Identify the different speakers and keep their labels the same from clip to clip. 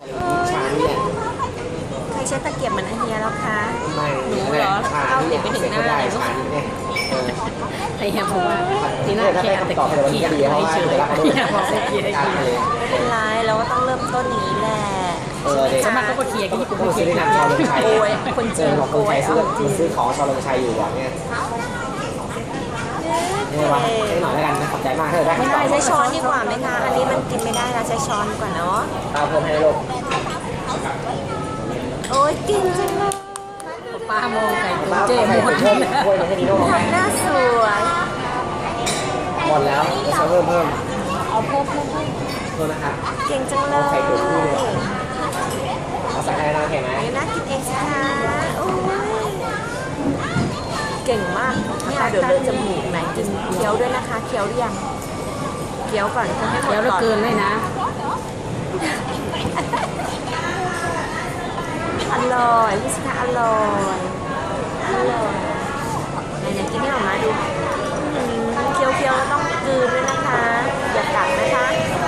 Speaker 1: ชานี่แหละ
Speaker 2: ใครใช้ตะเกียบเหมือนอาเฮียแล้วคะ
Speaker 1: ไม่
Speaker 2: หนูเหรอ
Speaker 1: ชา
Speaker 2: เอา
Speaker 1: นี่
Speaker 2: เด็กไปถึงหน้า
Speaker 1: ได้
Speaker 2: เลย
Speaker 1: ชานี่เนี่ย
Speaker 3: ไอ้เหี้ยบอกว่าทีหน้า
Speaker 1: ถ้า
Speaker 3: แค่
Speaker 1: ได้
Speaker 3: ตะ
Speaker 1: คำตอบไป
Speaker 3: เกียบ
Speaker 1: วันนี้
Speaker 3: ขี้
Speaker 1: ก็ดีเพราะว่า
Speaker 3: เฉย
Speaker 1: เดี๋ยวเรา
Speaker 3: ไอ้เหี้ยบอกตะเกียบ
Speaker 1: การเลย
Speaker 2: ไม่เป็นไรเราก็ต้องเริ่มต้นอย่างนี้แหละ
Speaker 1: เด็ก
Speaker 3: สมัครก็มาเคลียร์กันที่กู
Speaker 1: ต้อง
Speaker 3: เคลี
Speaker 1: ซื้
Speaker 3: ย
Speaker 1: อ
Speaker 3: ร์
Speaker 1: ในนามชาวลงชัย
Speaker 2: โอ้ยคนจีน
Speaker 1: บอกคน
Speaker 2: โอ้
Speaker 1: ไท
Speaker 2: ย
Speaker 1: ย
Speaker 2: เอา
Speaker 1: ซื้อของชาวลงชัยอยู่หวังเนี่ยนี่ว่าให้หน่อยแล้วกันนะขอบใจมากเธอได้
Speaker 2: ไม่ได้ใช้ช้อนดีกว่าไหมคะ อันนี้มันกินไม่ได้นะใช้ช้อนดีกว่าเนาะ
Speaker 1: ตาเพิ่มให้ลูก
Speaker 2: โอ้ยเก่งจังเลย
Speaker 3: ป้ามองไก่
Speaker 1: มา
Speaker 3: เจ๊
Speaker 1: ใส่
Speaker 3: หมด
Speaker 1: เพิ่มถ้วยมาให้ดีโน่
Speaker 2: ทำหน้าสวย
Speaker 1: หมดแล้วจะเพิ่ม
Speaker 2: เอาเพิ่ม
Speaker 1: โทษนะครับ
Speaker 2: เก่งจังเลย
Speaker 1: เอาใส่ให้น้องเห็นไหม
Speaker 2: นี่น่ากินเองสิคะโอ้ยเก่งมากเนี่ยเดี๋ยวเลอะจมูกไหนกินเคี้ยวด้วยนะคะเคี้ยวหรือยังเคี้ยวก่อนจะให้หมด
Speaker 3: เดี๋ยวเรา
Speaker 2: ก่อน
Speaker 3: เกินเลยนะ
Speaker 2: อร่อยพี่สิคะอร่อยไหนกินให้ออกมาดูเคี้ยวแล้วต้องกลืนด้วยนะคะอย่ากัดนะคะ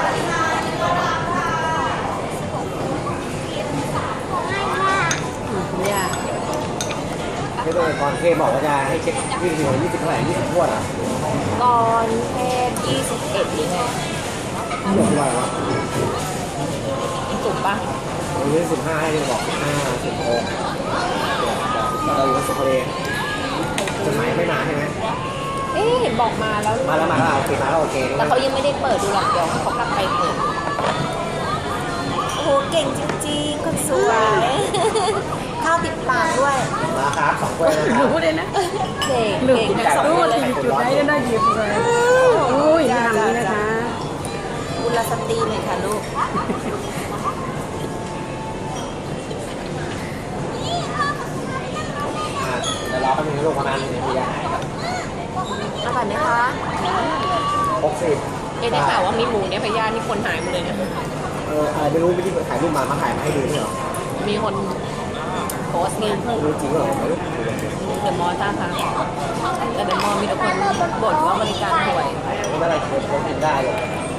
Speaker 3: เนี่ย
Speaker 1: ที่โดยก่อนเทบอกว่าจะให้เช็ค20 เท่าไหร่20ถ้วยอ่ะ
Speaker 2: ก่อนเทศ21หรือไง
Speaker 1: หมดเลยวะ
Speaker 2: ถูกปะ
Speaker 1: วันนี้15ให้บอก15 16เราอยู่สุพรรณจดหมายไม่มาใช่ไหม
Speaker 2: เห็นบอกมาแล้ว
Speaker 1: มาแล้วโอเคมาแล้วโอเค
Speaker 2: แต่เขายังไม่ได้เปิดดูหรอกเดี๋ยวเขากลับไปเปิดโอ้โหเก่งจริงๆคนสวย ข้าวติดปากด้วย
Speaker 1: มาครับ2ถ้วยนะครับ
Speaker 3: รู้เลยนะ
Speaker 2: เก่ง
Speaker 3: รู้
Speaker 2: เก่งทั้งสอง
Speaker 3: รู้
Speaker 2: คน
Speaker 3: เล
Speaker 2: เลย ย
Speaker 3: จุดไหนก็ได้หยิบเลยอุ้ยไม่ทำนี้นะคะ
Speaker 2: กุลสตรีเลยค่ะลูก
Speaker 1: เดี๋ยวรอแป๊บนึงลูกประมาณ1 นาทีจะหายครับ
Speaker 2: อร่อยไหมคะ
Speaker 1: 60
Speaker 2: ได้ข่าวว่ามีหมูเนี่ยพยานี่คนหายหมดเลยเนี่ย
Speaker 1: อะไรไม่รู้ไม่ที่ถ่ายรูปมาถ่ายมาให้ดูนี่เหรอ
Speaker 2: มีคนโพสต์ไง
Speaker 1: รู้จริงเหรอไม่รู้
Speaker 2: เดอะมอลล์ท่าทางแต่เดอะมอลล์มีแต่คนบ่นว่าบริการห่วย
Speaker 1: ไม่เป็นไรผมกินได้เลย
Speaker 2: อ